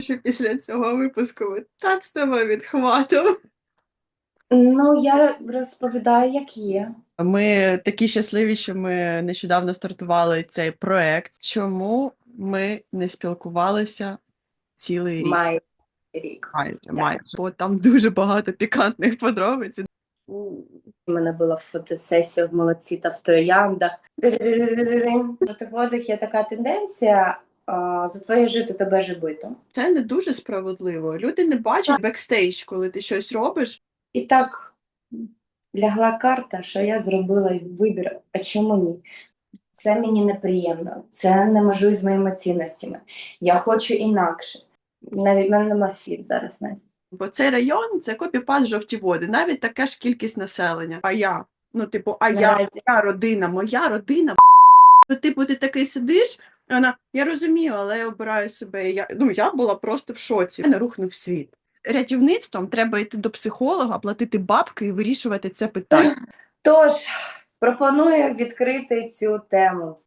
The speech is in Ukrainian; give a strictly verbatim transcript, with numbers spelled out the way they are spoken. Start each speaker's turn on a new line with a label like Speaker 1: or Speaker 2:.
Speaker 1: що після цього випуску ми так з тобою відхватом.
Speaker 2: Ну, я розповідаю, як є.
Speaker 1: Ми такі щасливі, що ми нещодавно стартували цей проект. Чому ми не спілкувалися цілий рік?
Speaker 2: Май рік.
Speaker 1: Майже,
Speaker 2: Так.
Speaker 1: майже. Бо там дуже багато пікантних подробиць.
Speaker 2: У мене була фотосесія в молодці та в трояндах. В водах є така тенденція а, за твоє жито тебе жебито.
Speaker 1: Це не дуже справедливо. Люди не бачать бекстейдж, коли ти щось робиш.
Speaker 2: І так лягла карта, що я зробила вибір, а чому ні? Це мені неприємно, це не межує з моїми цінностями. Я хочу інакше. Навіть в мене нема слів зараз, Настя.
Speaker 1: Бо цей район це копіпаст жовті води, навіть така ж кількість населення. А я? Ну, типу, а я,
Speaker 2: Наразі.
Speaker 1: моя родина, моя родина. Ну, типу, ти такий сидиш, і вона, я розумію, але я обираю себе. Я, ну, я була просто в шоці. Мене рухнув світ. Рятівництвом треба йти до психолога, платити бабки і вирішувати це питання.
Speaker 2: Тож, пропоную відкрити цю тему.